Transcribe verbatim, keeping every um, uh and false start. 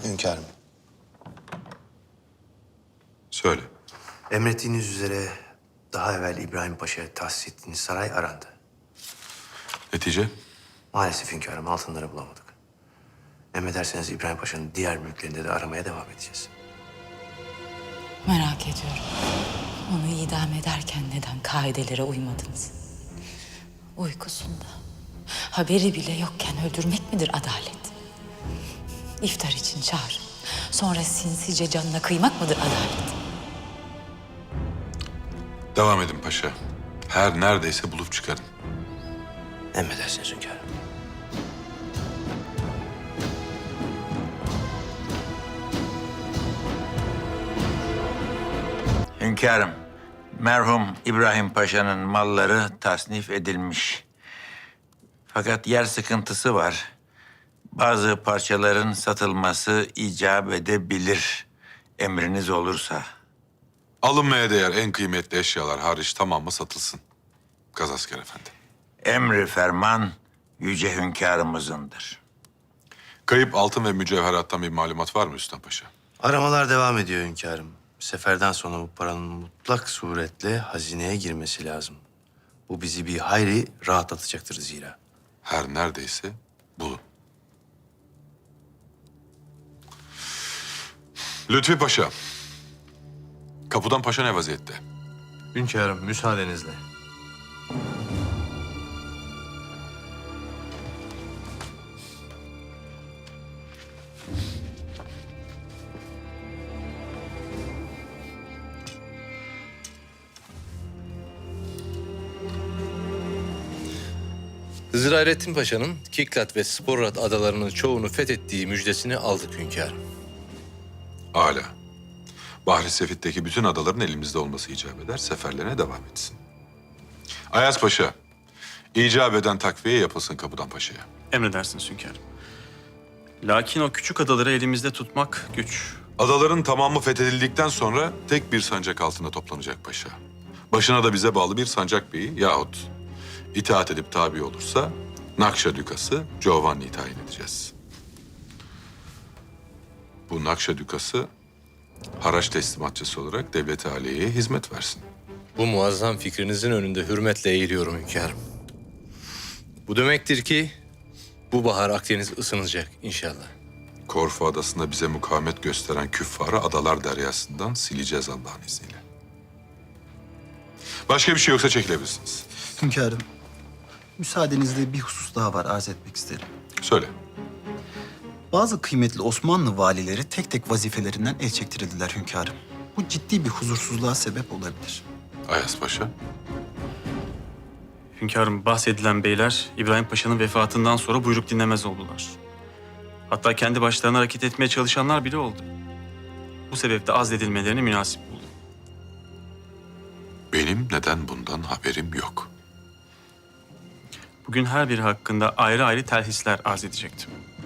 Hünkârım. Söyle. Emrettiğiniz üzere daha evvel İbrahim Paşa'ya tahsis ettiğiniz saray arandı. Netice? Maalesef hünkârım altınları bulamadık. Emrederseniz İbrahim Paşa'nın diğer mülklerinde de aramaya devam edeceğiz. Merak ediyorum. Onu idam ederken neden kaidelere uymadınız? Uykusunda, haberi bile yokken öldürmek midir adalet? İftar için çağır. Sonra sinsice canına kıymak mıdır adalet? Devam edin paşa. Her neredeyse bulup çıkarın. Emredersiniz hünkârım. Hünkârım, merhum İbrahim Paşa'nın malları tasnif edilmiş. Fakat yer sıkıntısı var. Bazı parçaların satılması icap edebilir. Emriniz olursa. Alınmaya değer en kıymetli eşyalar hariç tamamı satılsın. Gazasker Efendi. Emri ferman yüce hünkârımızındır. Kayıp altın ve mücevherattan bir malumat var mı Üstad Paşa? Aramalar devam ediyor hünkârım. Seferden sonra bu paranın mutlak suretle hazineye girmesi lazım. Bu bizi bir hayli rahatlatacaktır zira. Her neredeyse bulun. Lütfi Paşa. Kapıdan Paşa ne vaziyette? Hünkârım müsaadenizle. Hızır Hayrettin Paşa'nın Kiklat ve Sporrat adalarının çoğunu fethettiği müjdesini aldık hünkârım. Âlâ. Bahri Sefit'teki bütün adaların elimizde olması icap eder. Seferlerine devam etsin. Ayaz Paşa. icap eden takviye yapılsın Kapıdan Paşa'ya. Emredersiniz hünkârım. Lakin o küçük adaları elimizde tutmak güç. Adaların tamamı fethedildikten sonra tek bir sancak altında toplanacak paşa. Başına da bize bağlı bir sancak beyi yahut itaat edip tabi olursa Nakşa Dükası Giovanni'yi tayin edeceğiz. Bu Nakşa Dükası haraç teslimatçısı olarak devlet-i aliyeye hizmet versin. Bu muazzam fikrinizin önünde hürmetle eğiliyorum hünkârım. Bu demektir ki bu bahar Akdeniz ısınacak inşallah. Korfu Adası'nda bize mukavemet gösteren küffarı adalar deryasından sileceğiz Allah'ın izniyle. Başka bir şey yoksa çekilebilirsiniz. Hünkârım, müsaadenizle bir husus daha var, arz etmek isterim. Söyle. Bazı kıymetli Osmanlı valileri tek tek vazifelerinden el çektirildiler hünkârım. Bu ciddi bir huzursuzluğa sebep olabilir. Ayas Paşa. Hünkârım bahsedilen beyler İbrahim Paşa'nın vefatından sonra buyruk dinlemez oldular. Hatta kendi başlarına hareket etmeye çalışanlar bile oldu. Bu sebeple azledilmelerini münasip buldum. Benim neden bundan haberim yok? Bugün her biri hakkında ayrı ayrı telhisler arz edecektim.